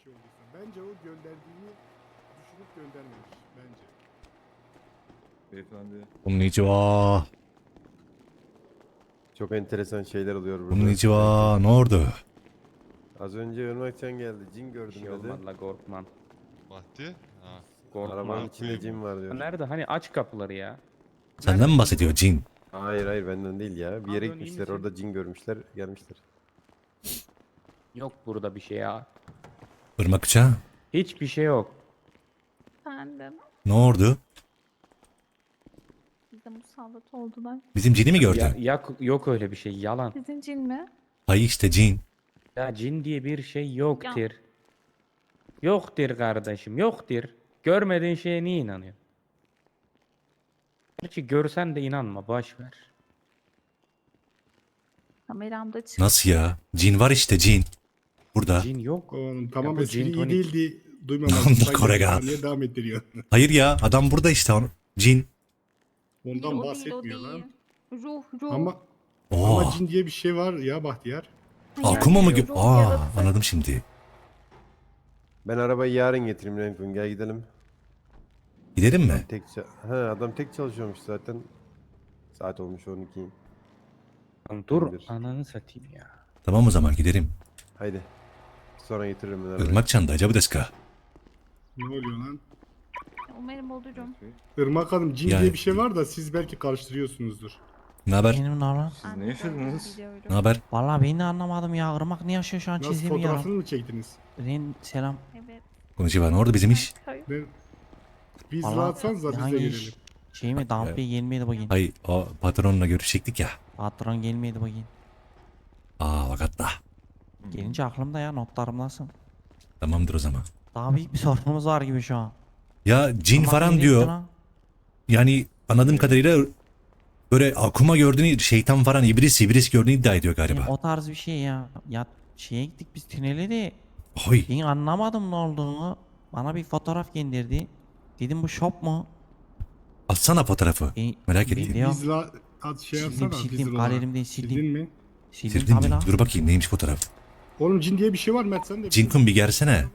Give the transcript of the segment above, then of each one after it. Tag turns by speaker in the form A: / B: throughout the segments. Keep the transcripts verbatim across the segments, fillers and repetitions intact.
A: şey olduysa. Bence o gönderdiğini düşünüp göndermemiş. Bence.
B: Beyefendi.
C: Konnichiwa.
D: Çok enteresan şeyler oluyor burada.
C: Konnichiwa. Ne oldu?
D: Az önce Irmakcan geldi. Cin
E: Bir
D: gördüm
E: şey
D: dedi.
E: olmaz la Gorkman.
F: Bahti? Ha.
E: Gorkman.
D: Arabanın içinde cin var diyor.
E: Nerede? Hani aç kapıları ya.
C: Senden mi bahsediyor cin?
D: Hayır hayır benden değil ya. Bir yere
E: Pardon, iyi
D: gitmişler.
E: misin?
D: Orada cin görmüşler. Gelmişler.
E: Yok burada bir şey ya.
C: Irmak uçağı.
E: Hiçbir şey yok.
G: Efendim,
C: Ne oldu?
G: bize musallat oldular.
C: Bizim cini mi gördün?
E: Ya, ya- yok öyle bir şey. Yalan.
G: Sizin cin mi?
C: Ay işte cin.
E: Ya cin diye bir şey yoktur. Yoktur kardeşim. Yoktur. Görmediğin şeye niye inanıyorsun? Gerçi görsen de inanma. Boş ver.
G: Kameramda çıktı.
C: Nasıl ya? Cin var işte cin. Burada.
E: Cin yok.
A: Oğlum tamam
E: bu
A: espri
E: gin
A: iyi
E: tonic.
A: değildi. Duymamam.
C: Onda
A: Saygı
C: Kore
A: duyuyorum.
C: gal.
A: Niye devam ettiriyor?
C: Hayır ya adam burada işte onu. Cin.
G: Değil,
A: Ondan
G: o değil, o
A: bahsetmiyor lan.
G: değil. Ruh, ruh.
A: Ama
C: Oo.
A: ama cin diye bir şey var ya Bahtiyar.
G: Hayır,
C: Akuma mı?
G: ruh
C: gö- Aa
G: yaratık.
C: anladım şimdi.
D: Ben arabayı yarın getireyim Renkun. Gel gidelim.
C: Gidelim mi?
D: Tek ça- ha, adam tek çalışıyormuş zaten. Saat olmuş on iki.
E: Lan dur
D: Bir.
E: ananı satayım ya.
C: Tamam o zaman gidelim.
D: Haydi. Sonra getiririm ben arabayı.
C: Irmak çanda acaba deska.
A: Ne oluyor lan?
G: Umarım olurum.
A: Irmak Hanım cin
C: Yani-
A: diye bir şey var da siz belki karıştırıyorsunuzdur.
C: Ne haber?
H: Benim ne lan?
F: Siz
G: Ben
F: ne
G: de
F: yaşadınız?
G: biliyorum.
C: Ne haber?
H: Vallahi ben de anlamadım ya. Irmak ne yaşıyor şu an
A: Nasıl
H: çizdiğim
A: fotoğrafını
H: ya.
A: mı çektiniz?
H: Ren selam.
G: Evet.
C: Konnichiwa. Ne oldu bizim iş?
G: Hayır.
A: Ben... Biz
H: Vallahi
A: rahatsanız da biz de
H: hangi
A: gelelim.
H: iş? Şey mi? Damp Bey gelmedi bugün.
C: Ay o patronla görüşecektik ya.
H: Patron gelmedi bugün.
C: Aa vakatta.
H: Gelince aklımda ya notlarımdasın.
C: Tamamdır o zaman.
H: Daha büyük bir sorunumuz var gibi şu an.
C: Ya cin
H: Irmak
C: falan
H: nereye
C: diyor.
H: gitti lan?
C: Yani anladığım kadarıyla böyle akuma gördüğünü, şeytan falan iblis iblis gördüğünü iddia ediyor
H: Yani
C: galiba.
H: o tarz bir şey ya. Ya şeye gittik biz tünele de.
C: Oy.
H: Ben anlamadım ne olduğunu. Bana bir fotoğraf gönderdi. Dedim bu shop mu?
C: Atsana fotoğrafı.
H: Ben,
C: Merak
H: ben
C: ettim.
H: diyorum,
A: Biz la... At şey
H: Sildim,
A: yapsana.
H: sildim,
A: biz olarak.
H: galerimden sildim.
A: Sildin mi?
H: Sildim
C: Sildin
H: tabi
C: mi?
H: lan.
C: Dur bakayım neymiş fotoğraf.
A: Oğlum cin diye bir şey var Mert sen de.
C: Cinkun bir gelsene.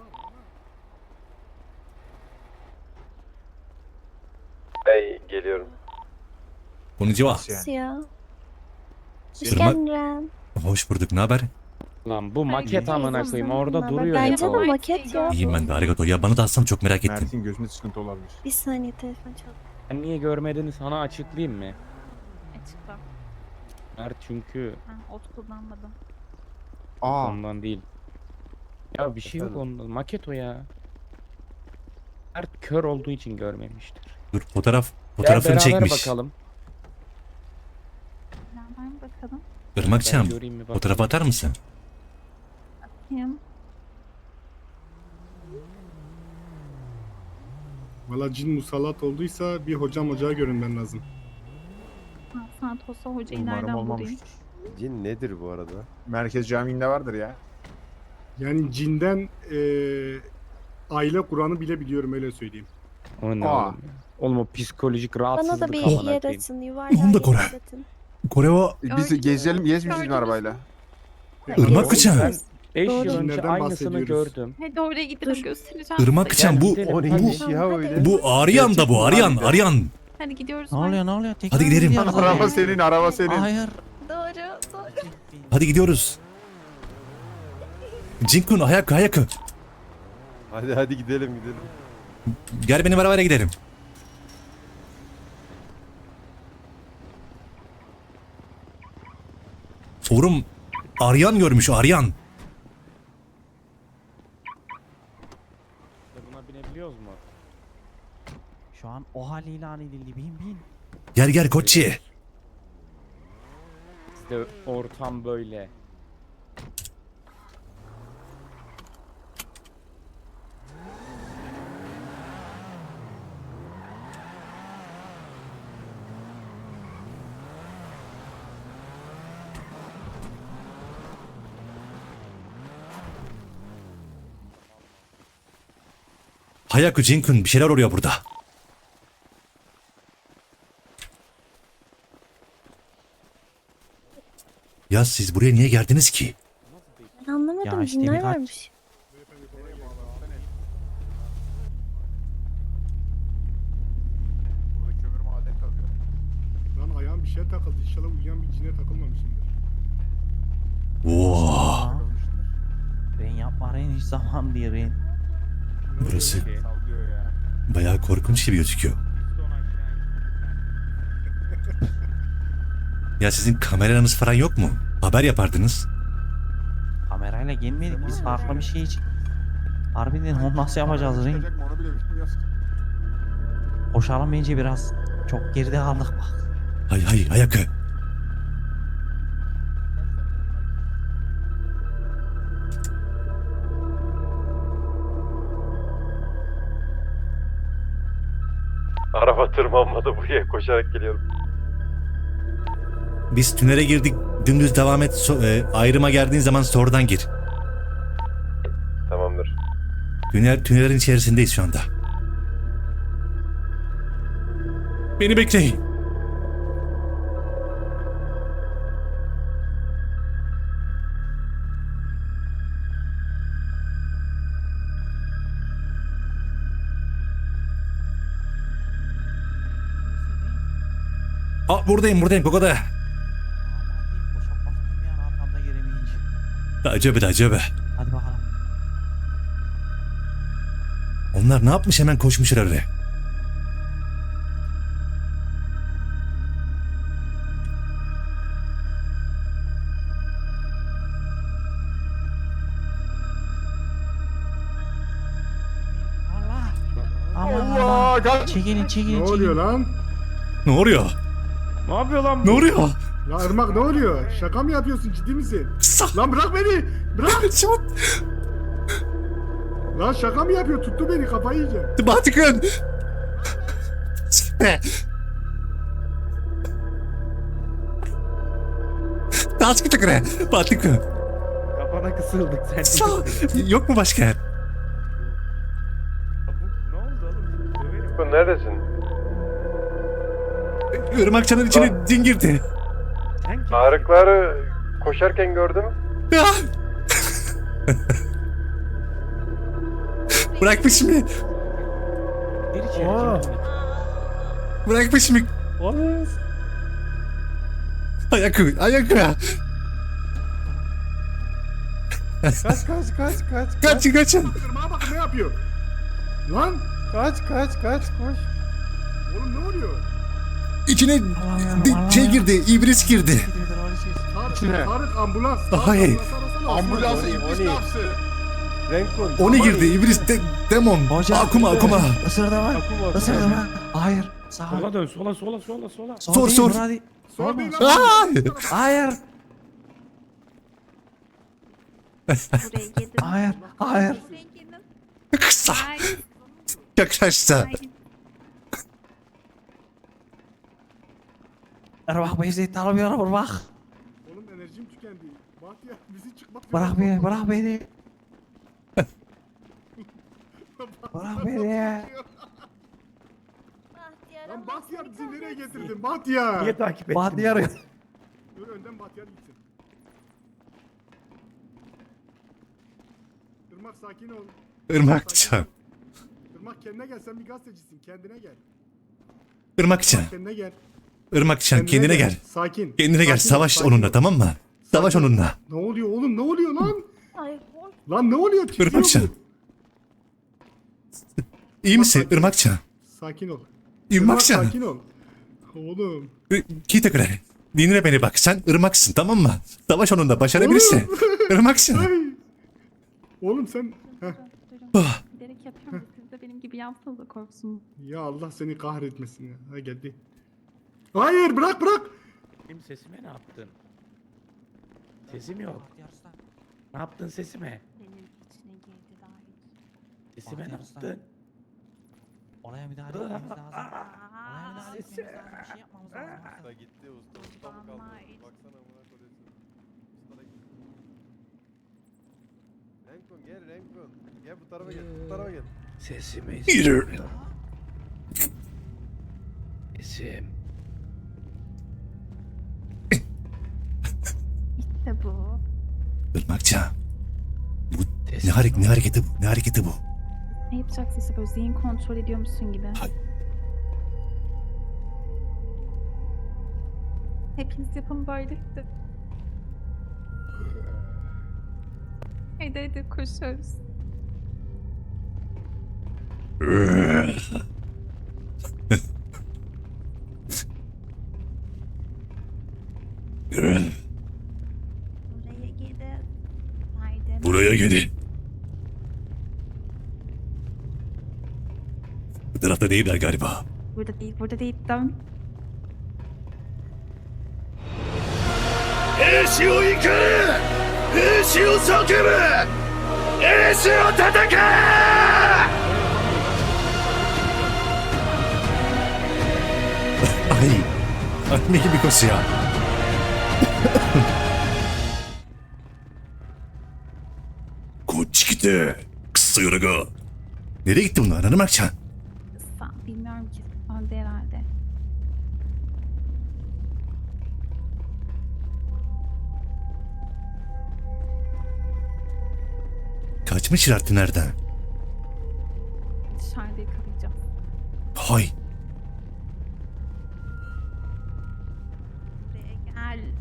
D: Hey geliyorum.
C: Konnichiwa.
G: Nasıl ya? Hoş
C: Irmak-
G: geldin Ren.
C: Hoş bulduk. Ne haber?
E: Lan bu
G: Ay,
E: maket
G: güzel
E: amına
G: kızım,
E: koyayım orada
G: naber?
E: duruyor
G: Bence
E: ya.
G: de
E: o.
G: maket ya.
C: İyiyim ben de. Arigato. Ya bana da atsam çok merak ettim.
B: Mert'in gözünde sıkıntı olabilir.
G: Bir saniye telefon çaldı.
E: Ben niye görmediğini sana açıklayayım mı?
G: Açıkla.
E: Mert çünkü
G: Ben ot kullanmadım.
B: Aa.
E: ondan değil. Ya bir şey yok
D: Efendim?
E: ondan. Maket o ya. Mert kör olduğu için görmemiştir.
C: Dur fotoğraf.
E: Gel
C: Fotoğrafını
E: beraber
C: çekmiş.
E: bakalım.
G: Beraber mi bakalım?
C: Irmakçam.
E: Ben göreyim mi bak.
C: Fotoğrafı atar mısın?
G: Kim?
A: Valla cin musallat olduysa bir hocam ocağa görünmen lazım.
G: Ha, Santos hocayı
B: Umarım
G: nereden bulayım?
B: olmamıştır.
D: Cin nedir bu arada?
B: Merkez Camii'nde vardır ya.
A: Yani cinden eee aile kuranı bile biliyorum öyle söyleyeyim.
E: O ne
B: Aa.
E: oğlum ya? Oğlum o psikolojik
G: Bana
E: rahatsızlık
G: da bir
E: amına
G: yer
E: koyayım.
G: atın, yuvarlağı
C: Onu da
G: yer
C: Kore.
G: atın.
C: Koreva.
B: E, Biz
G: Gördünüz
B: gezelim,
G: mü?
B: gezmiş bizim
G: Gördünüz
B: arabayla.
C: Irmak Kıçan.
E: Ben beş
G: Doğru.
E: yıl önce
A: Cinlerden
E: aynısını
A: bahsediyoruz.
E: gördüm.
G: Hadi oraya gidelim göstereceğim.
C: Irmak
G: size.
C: Kıçan bu
E: Gidelim,
D: O
E: hadi.
D: neymiş ya
G: Tamam,
D: öyle?
G: hadi.
C: bu Aryan da bu Aryan Aryan.
G: Hadi gidiyoruz.
H: Ne
G: bak.
H: oluyor ne oluyor? Tekrar
C: Hadi
H: mı
C: gidelim.
H: gidiyoruz
B: Araba
H: oraya?
B: senin, araba senin.
H: Hayır.
G: Doğru, doğru.
C: Hadi gidiyoruz. Cinkun ayak ayak.
D: Hadi hadi gidelim gidelim.
C: Gel benim arabayla gidelim. Forum Aryan görmüş Aryan.
E: Buna binebiliyoruz mu?
H: Şu an o hal ilan edildi. Bin bin.
C: Gel gel Koçi.
E: Bizde ortam böyle.
C: Hayaku Cinkun bir şeyler oluyor burada. Ya siz buraya niye geldiniz ki?
G: Ben anlamadım,
H: Ya işte
G: cinler
H: birkaç-
G: varmış.
A: bir şeye takıldı. İnşallah uyuyan bir cine takılmamışımdır.
C: Oo,
H: Aa, Ren yapma Ren hiç zaman değil Ren.
A: Ne
C: burası
A: oluyor?
B: Sallıyor ya.
C: bayağı korkunç gibi gözüküyor. Ya sizin kameranız falan yok mu? Haber yapardınız.
H: Kamerayla gelmedik biz farklı bir şey için. Harbiden onu nasıl yapacağız Ren?
B: Çıkacak mı onu bile bilmiyoruz.
H: Koşalım bence biraz. Çok geride kaldık bak.
C: Hay hay ayakı.
D: Araba tırmanmadı buraya koşarak geliyorum.
C: Biz tünele girdik. Dümdüz devam et. So- e, ayrıma geldiğin zaman sonradan gir.
D: Tamamdır.
C: Tünel, tünelin içerisindeyiz şu anda. Beni bekleyin. Aa, buradayım buradayım Gogo'da.
H: Aman diyeyim boşa bastım ya arkamda giremeyince.
C: Acaba acaba.
H: Hadi bakalım.
C: Onlar ne yapmış hemen koşmuşlar oraya.
H: Allah. Aman
B: Allah,
H: Allah.
B: kaç.
H: Çekilin çekilin
A: Ne
H: çekilin.
A: oluyor lan?
C: Ne oluyor?
E: Ne yapıyor lan bu?
C: Ne oluyor?
A: La Irmak ne oluyor? Şaka mı yapıyorsun? Ciddi misin?
C: Sağ.
A: Lan bırak beni! Bırak!
C: Çabuk.
A: Lan şaka mı yapıyor? Tuttu beni, kafayı yiyeceğim.
C: Batıkın. Task tıkre. Batıkın.
E: Kafana kısıldık sen.
C: Sağ. Yok mu başka yer?
E: Ne oldu oğlum? Döverim.
D: Bu neredesin?
C: Irmakçanın içine din girdi.
E: Sen kimsin?
D: Ağrıkları koşarken gördüm.
C: Ya. Bırakmış mı?
E: Gir içeri.
D: Aa.
E: gir.
C: Bırakmış mı?
E: Oğlum.
C: Ayakı, ayakı.
D: Kaç kaç kaç kaç.
C: Kaçın, kaçın.
A: Irmak'a bakın ne yapıyor? Lan!
D: Kaç kaç kaç koş.
A: Oğlum ne oluyor?
C: İçine
H: Allah'ım,
C: di-
H: Allah'ım.
C: şey girdi, iblis girdi.
A: Tarık,
B: İçine.
A: Tarık ambulans.
C: Daha
A: Tarık,
C: iyi.
A: ambulans arasana,
B: Ambulans
A: Osman.
B: iblis ne yapsın?
D: Renkon.
C: Oni girdi, iblis de, demon.
H: Hocam.
C: Akuma, akuma.
H: Isırdı mı? Isırdı mı? Hayır. Sağ ol.
E: Sola dön sola sola sola sola.
H: Sol
C: Sor,
H: değil,
C: sor.
H: bura değil.
A: Sor değil lan.
C: Aa!
H: Hayır.
G: Buraya girdim.
H: Hayır. Hayır.
G: Buraya girdim.
C: Kısa,
G: Hayır.
C: yaklaştı.
G: Hayır.
H: Bak beni zeyt alamıyorum bak.
A: Oğlum enerjim tükendi. Bahtiyar bizi çıkmak
H: Bırak beni, bırak beni. Bırak beni.
A: Lan Bahtiyar bizi nereye getirdin? Bahtiyar.
E: Niye takip ettin?
H: Bahtiyar.
A: Dur önden Bahtiyar gitsin. Irmak sakin ol.
C: Irmakçan,
A: Irmak kendine gel, sen bir gazetecisin. Kendine gel.
C: Irmakçan,
A: Irmak kendine gel.
C: Irmakçan kendine gel.
A: Sakin.
C: Kendine gel,
A: Sakin ol,
C: savaş
A: sakin
C: onunla
A: ol.
C: tamam mı? Savaş onunla.
A: Ne oluyor oğlum? Ne oluyor lan?
G: Hayır. Boş.
A: Lan ne oluyor? Titriyor
C: Irmakçan.
A: bu.
C: İyi misin Irmakçan?
A: Sakin ol.
C: Irmakçan.
A: Sakin ol. Oğlum.
C: Kitekre. Dinle beni bak, sen Irmaksın tamam mı? Savaş onunla, başarabilirsin. Irmakçan.
A: Ay. Oğlum sen... Heh.
C: Ah.
G: Bilerek yapıyorum. Siz de benim gibi yapsanız da korksun.
A: Ya Allah seni kahretmesin ya. Ha geldi. Hayır bırak bırak.
E: Benim sesime ne yaptın? Sesim yok. Ne yaptın sesime?
G: Benim içine girdi daha hiç.
E: Sesime ne
H: Bahtiyar Usta.
E: yaptın?
H: Olaya müdahale etmemiz lazım. Olaya müdahale etmemiz lazım. Bir şey yapmamız lazım.
D: Usta gitti usta. Usta mı kaldı?
G: Vallahi.
D: Baksana amına koyayım. Usta da gitti. Renkon gel Renkon. Gel bu tarafa gel. Bu tarafa gel.
E: Sesime
C: Yürü.
E: Sesim.
G: İşte bu.
C: Irmakçan. Bu ne,
E: Sesim.
C: harek, ne hareketi bu? Ne hareketi bu?
G: Ne yapacaksın işte böyle zihin kontrol ediyormuşsun gibi.
C: Hay-
G: Hepiniz yapın böyle. Hadi. Hadi hadi koşuyoruz. Buraya gidin. Haydi.
C: Buraya gelin. Bu tarafta değiller galiba.
G: Burada değil, burada değil. Dön.
C: 兵士を怒れ兵士を叫ぶ兵士を叩けAy, anne gibi koşuyor. Koç gitti. Kısa yoruga. Nereye gitti bunlar? Hanım Akçan.
G: Sağ, bilmiyorum ki. Öldü herhalde.
C: Kaçmışlar tünelden.
G: Dışarıda yakalayacağım.
C: Hay.
G: Buraya gel.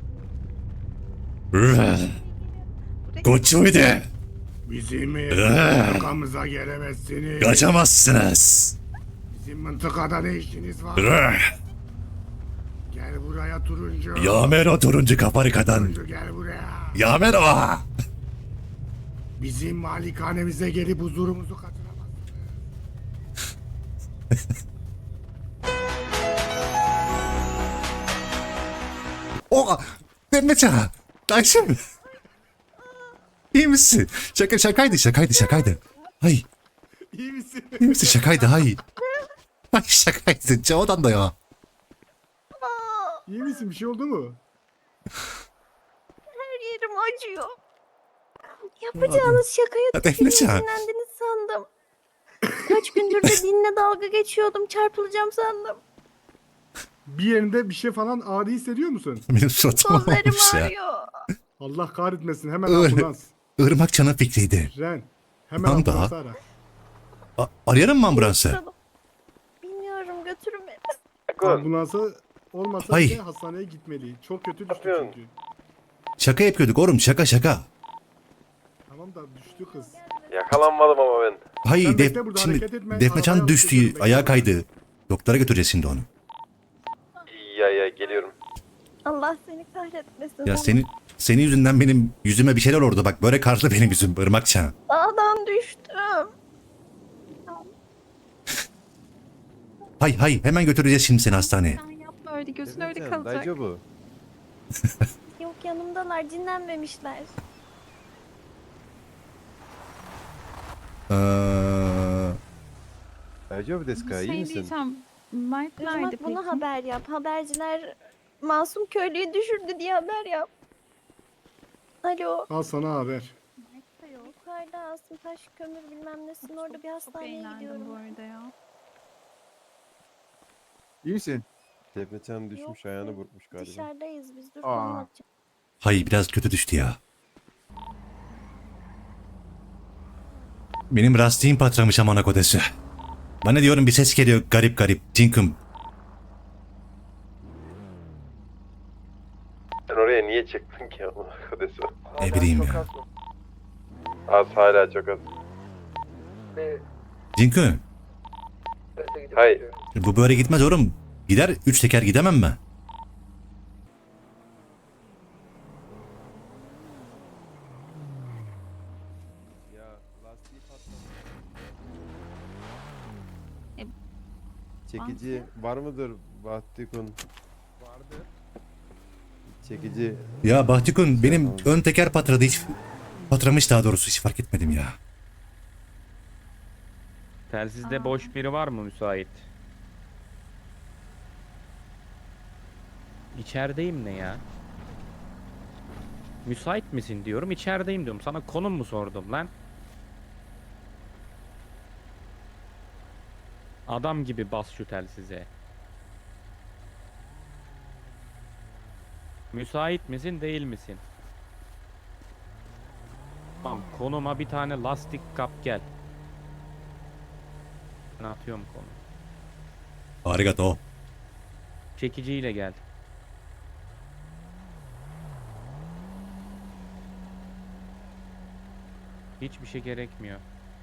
G: Buraya
C: Koçuydu.
A: Bizim
C: Ee.
A: mıntıkamıza gelemezsiniz.
C: Kaçamazsınız.
A: Bizim mıntıkada ne işiniz var? Gel buraya turuncu.
C: Yamer o turuncu kaparikadan.
A: Turuncu gel buraya.
C: Yamer o.
A: Bizim malikanemize gelip huzurumuzu kaçıramazsınız.
C: O Demeça. Ayşem. İyi misin? Şaka şakaydı şakaydı şakaydı. Ay
A: İyi misin?
C: iyi misin şakaydı hay. Ay şakaydı. Çoğudan da ya.
A: İyi misin? Bir şey oldu mu?
I: Her yerim acıyor. Yapacağınız şakaya
C: Hadi Emrecan.
I: sinirlendiniz sandım. Kaç gündür de dinle dalga geçiyordum. Çarpılacağım sandım.
A: Bir yerinde bir şey falan ağrı hissediyor musun?
C: Benim suratım
I: Kollarım
C: olmuş ya.
I: ağrıyor.
A: Allah kahretmesin. Hemen
C: Öyle.
A: ambulans.
C: Irmak Can'ın fikriydi.
A: Ren. Hemen
C: Lan da.
A: ambulans ara.
C: A- arayalım mı ambulansı?
I: Tamam. Bilmiyorum, götürün beni.
A: Ambulansı olmasa
C: Ay.
A: bile hastaneye gitmeli. Çok kötü düştü çünkü.
C: Şaka yapıyorduk oğlum şaka şaka.
A: Tamam da düştü kız.
D: Yakalanmadım ama ben.
C: Hay
A: Sen
C: def,
A: bekle burada,
C: şimdi
A: hareket etme.
C: Defne Can
A: Arabaya
C: düştü
A: alıştırıyorum, bekle.
C: ayağa kaydı. Doktora götüreceğiz şimdi onu.
D: Ya ya geliyorum.
I: Allah seni kahretmesin.
C: Ya senin senin yüzünden benim yüzüme bir şeyler oldu bak böyle karlı benim yüzüm Irmak Can.
I: Dağdan düştüm.
C: Hay hay hemen götüreceğiz şimdi seni hastaneye.
G: Sen yapma öyle. Gözün öyle
D: Demecan,
G: kalacak.
D: Dayıcı bu.
I: Yok, yanımdalar, dinlenmemişler.
C: Ee,
D: Dayıcı bu deska, iyi
G: Şey
D: misin?
G: diyeceğim. Mert nerede
I: Irmak,
G: peki?
I: bunu haber yap. Haberciler masum köylüyü düşürdü diye haber yap. Alo.
A: Al sana haber.
G: Mert de yok.
I: Yukarıda Asım Taş kömür bilmem nesin, orada bir
G: Çok
I: hastaneye
G: eğlendim
I: gidiyorum.
G: bu arada ya.
B: İyi misin?
D: Defnecan düşmüş,
I: Yok,
D: ayağını
I: yok.
D: burkmuş galiba.
I: Dışarıdayız biz, dur
B: Aa.
I: anlatacağım.
C: hay biraz kötü düştü ya. Benim lastiğim patlamış amına kodesi. Bana diyorum bir ses geliyor garip garip. Cinkum.
D: Sen oraya niye çıktın ki ama arkadaşım?
C: Ne bileyim ya.
D: Az, hala çok az.
C: Cinkum.
D: Hayır.
C: Bu böyle gitmez oğlum. Gider üç teker gidemem mi?
D: Ya lastiği patladı.
G: E,
D: Çekici var mıdır Bahtikun? Vardı. Çekici
C: Ya Bahtikun benim ön teker patladı hiç patlamış daha doğrusu hiç fark etmedim ya.
E: Telsizde
G: Aa.
E: boş biri var mı müsait? İçerideyim ne ya? Müsait misin diyorum, içerideyim diyorum. Sana konum mu sordum lan? Adam gibi bas şu telsize. Müsait misin, değil misin? Tamam, konuma bir tane lastik kap gel. Ben atıyorum konu.
C: Arigato.
E: Çekiciyle gel. Hiçbir şey gerekmiyor.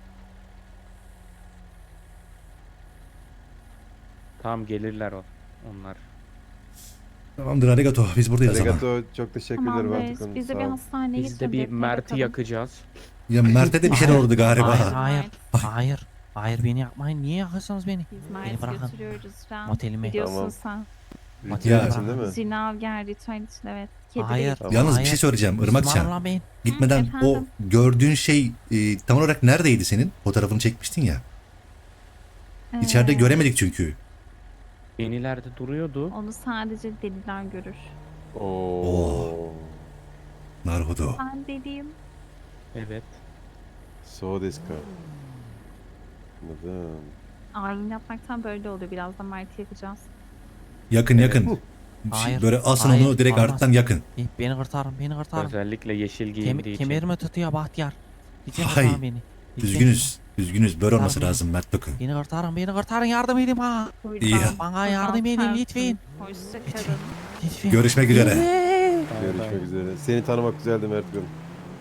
E: Tamam gelirler o. Onlar.
C: Tamamdır arigato. Biz buradayız o zaman.
D: Arigato çok teşekkürler
G: Tamam
D: Bartu
G: reis.
D: Hanım,
G: Biz de
D: sağ
G: bir
D: ol.
G: hastaneye
E: Biz de bir
G: götürelim,
E: Mert'i
G: bakalım.
E: yakacağız.
C: Ya Mert'e de bir şeyler
H: Hayır,
C: oldu galiba.
H: hayır,
G: Mert.
H: hayır. Hayır. Hayır beni yapmayın. Niye yakıyorsunuz beni?
G: Biz
H: Beni
G: Mert'i
H: bırakın.
G: götürüyoruz şu an.
H: Motelime.
G: Biliyorsun
D: Tamam.
G: sen.
H: Motel
C: Ya-
D: için değil mi?
G: Zinav ritüel için evet. Kedi
H: Hayır.
G: değil.
D: Tamam.
C: Yalnız bir
H: Hayır.
C: şey söyleyeceğim
H: Müslümanım
C: Irmakcan.
H: lan ben.
C: Gitmeden
G: Hı,
C: o
G: efendim?
C: gördüğün şey e, tam olarak neredeydi senin? Fotoğrafını çekmiştin ya. İçeride
G: Ee,
C: göremedik çünkü.
E: Yenilerde duruyordu.
G: Onu sadece deliler görür.
D: Oo.
C: Naruhodo.
G: Ben deliyim.
E: Evet.
D: So desu ka. Anladım.
G: Ayin yapmaktan böyle oluyor. Birazdan Mert'i yakacağız.
C: Yakın yakın. Şey,
H: Hayır,
C: Böyle asın
H: hayır,
C: onu direkt
H: olmaz.
C: arttan yakın.
H: Be- Beni kurtarın. Beni kurtarın.
E: Özellikle yeşil
H: Kem
E: giyindiği için.
H: kemerimi tutuyor Bahtiyar. Lütfen
C: Hay,
H: kurtarın beni. Lütfen.
C: Üzgünüz. Üzgünüz. Böyle olması
H: Tamam.
C: lazım Mert Dokun.
H: Beni kurtarın. Beni kurtarın. Yardım edin bana.
G: Buyurun.
C: İyi.
H: Bana yardım edin lütfen.
G: Hoşçakalın.
H: Lütfen.
C: Görüşmek üzere.
H: Lütfen.
D: Görüşmek üzere. Seni tanımak güzeldi Mert Bey.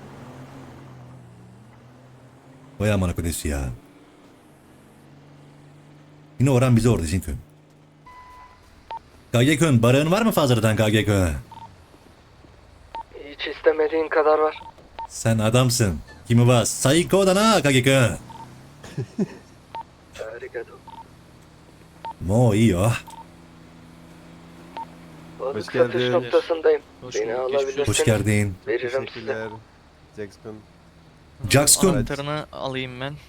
C: Vay amına kodesi ya. Yine Orhan bizi orada çünkü. K G Kön, barağın var mı fazladan K G Kön?
J: Hiç istemediğin kadar var.
C: Sen adamsın. Kimi bas? Sayko da na K G Kön.
J: Arigato.
C: Mo iyi o.
J: Balık
D: Hoş
J: satış
D: geldin.
J: noktasındayım. Beni alabilirsiniz.
C: Hoş geldin.
J: Veririm size.
D: Teşekkürler. Jackson.
C: Jackson.
J: Anahtarını alayım ben.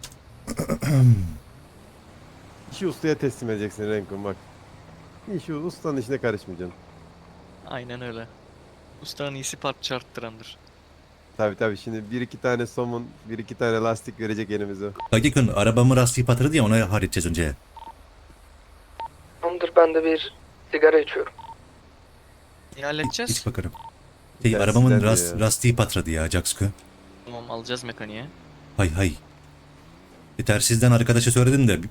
D: İşi ustaya teslim edeceksin Renkun bak. İşi ustanın işine karışmayacaksın.
J: Aynen öyle. Ustanın iyisi parça arttırandır.
D: Tabi tabi şimdi bir iki tane somun, bir iki tane lastik verecek elimize.
C: K G Kön arabamı lastiği patladı diye onu halledeceğiz önce.
J: Tamamdır, ben de bir sigara içiyorum. Ne
C: İç,
J: halledeceğiz?
C: iç bakarım. Şey,
D: Dersten
C: arabamın
D: de
C: ras,
D: ya.
C: lastiği patladı ya Jackson.
J: Tamam, alacağız mekaniğe.
C: Hay hay. E, tersizden arkadaşa söyledim de.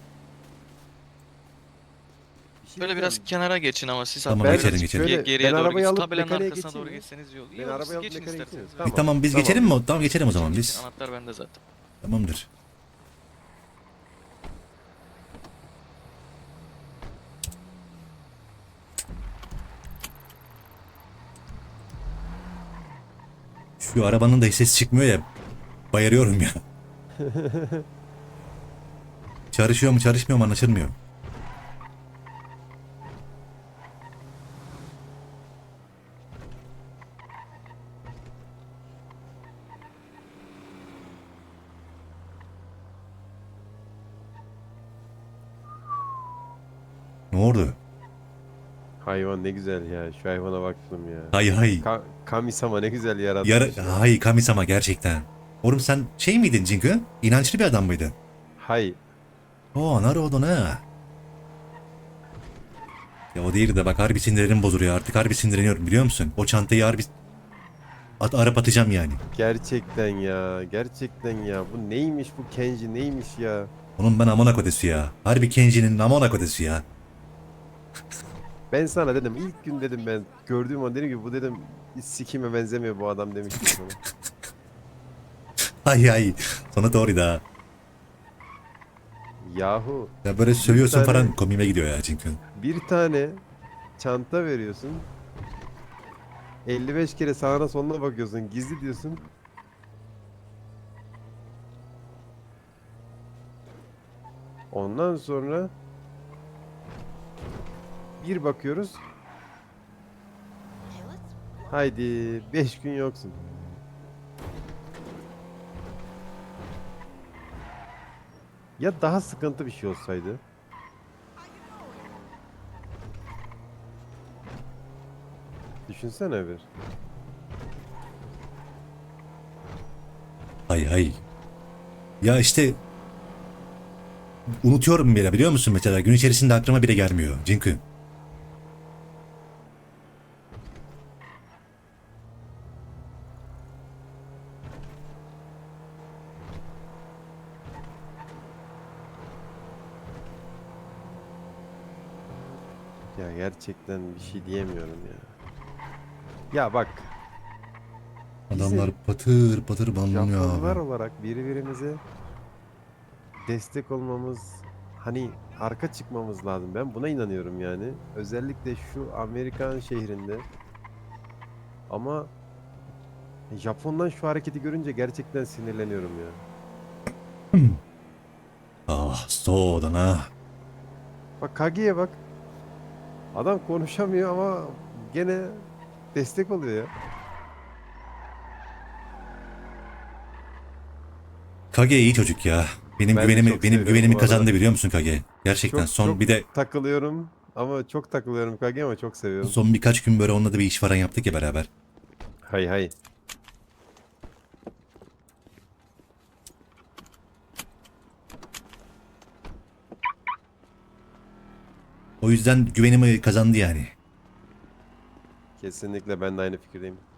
J: Böyle biraz kenara geçin ama siz
C: Tamam,
J: hatta
C: geçelim,
J: biraz
C: geçelim.
J: ge-
D: Ben
J: geriye doğru
D: arabayı
J: gidin.
D: alıp
J: Tabelanın
D: mekaniğe
J: arkasına doğru
D: geçeyim mi?
J: geçseniz iyi olur.
D: Ben
J: İyi olur,
D: arabayı
J: siz
D: alıp
J: geçin
D: mekaniğe
J: isterseniz.
D: geçeyim.
C: E, tamam biz
D: Tamam.
C: geçelim mi? Tamam geçelim o zaman
J: Geçin,
C: biz.
J: geçin. Anahtar bende zaten.
C: Tamamdır. Şu arabanın da hiç ses çıkmıyor ya. Bayarıyorum ya. Çalışıyor mu çalışmıyor mu anlaşılmıyor. Ne oldu?
D: Hayvan ne güzel ya. Şu hayvana baktım ya.
C: Hay hay.
D: Ka Kamisama ne güzel yaratmış.
C: Yara
D: ya.
C: hay Kamisama gerçekten. Oğlum sen şey miydin Cinko? İnançlı bir adam mıydın?
D: Hay.
C: Oo Naruhodo ne? Ya o değil de bak harbi sinirlerim bozuluyor artık harbi sinirleniyorum biliyor musun? O çantayı harbi at arap atacağım yani.
D: Gerçekten ya. Gerçekten ya. Bu neymiş bu Kenji neymiş ya.
C: Onun ben amına kodesi ya. Harbi Kenji'nin amına kodesi ya.
D: Ben sana dedim ilk gün dedim ben gördüğüm an dedim ki bu dedim hiç sikime benzemiyor bu adam demiştim sana.
C: Ay ay. Sonra doğru da.
D: Yahu
C: Ya böyle sövüyorsun
D: tane-
C: falan komiğime gidiyor ya Cinko.
D: bir tane çanta veriyorsun. elli beş kere sağına soluna bakıyorsun gizli diyorsun. Ondan sonra bir bakıyoruz. Haydi beş gün yoksun. Ya daha sıkıntı bir şey olsaydı? Düşünsene bir.
C: Ay ay. Ya işte unutuyorum bile biliyor musun mesela gün içerisinde aklıma bile gelmiyor Cinko.
D: Ya gerçekten bir şey diyemiyorum ya. Ya bak.
C: Adamlar patır patır banlanıyor
D: Japonlar
C: abi.
D: olarak birbirimize destek olmamız, hani arka çıkmamız lazım. Ben buna inanıyorum yani. Özellikle şu Amerikan şehrinde. Ama Japon'dan şu hareketi görünce gerçekten sinirleniyorum ya.
C: Ah soğudun ha.
D: Bak Kage'ye bak. Adam konuşamıyor ama gene destek oluyor ya.
C: Kage iyi çocuk ya. Benim
D: Ben de
C: güvenimi
D: çok
C: benim
D: seviyorum
C: güvenimi
D: bu arada.
C: kazandı biliyor musun Kage? Gerçekten
D: Çok,
C: son
D: çok
C: bir de
D: takılıyorum ama çok takılıyorum Kage ama çok seviyorum.
C: son birkaç gün böyle onunla da bir iş falan yaptık ya beraber.
D: Hay hay.
C: O yüzden güvenimi kazandı yani.
D: Kesinlikle ben de aynı fikirdeyim.